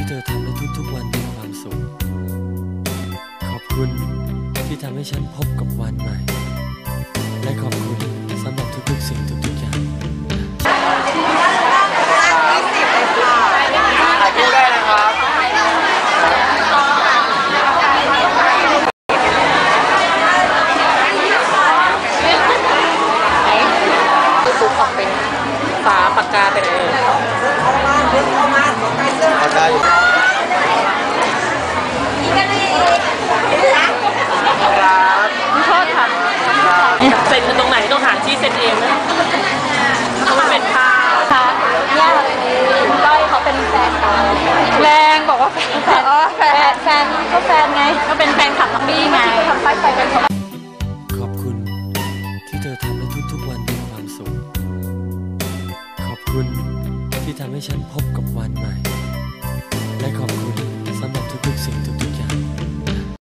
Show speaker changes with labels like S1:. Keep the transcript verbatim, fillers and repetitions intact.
S1: เธอทำในทุกๆวันมีความสุขขอบคุณที่ทำให้ฉันพบกับวันใหม่และขอบคุณสำหรับทุกๆสิ่งทุกๆอย่าง
S2: ถ่ายรูปได้นะครับซุปออกเป็นฝาปากกาไปเลยปากกาอยู่ครับชอบค่ะเซ็นตรงไหนต้องหาที่เซ็นเองนะเพราะมันเป็นผ้า
S3: ค่ะเนี่ยก้อยเขาเป็นแฟนกันแรงบอกว่าแฟนแฟนแฟนแฟนก็แฟนไงก็เป็นแฟนคลับทัมมี่ไงทำป้ายไฟกัน
S1: ขอบคุณที่เธอทำให้ทุกๆวันมีความสุขขอบคุณที่ทำให้ฉันพบกับวันใหม่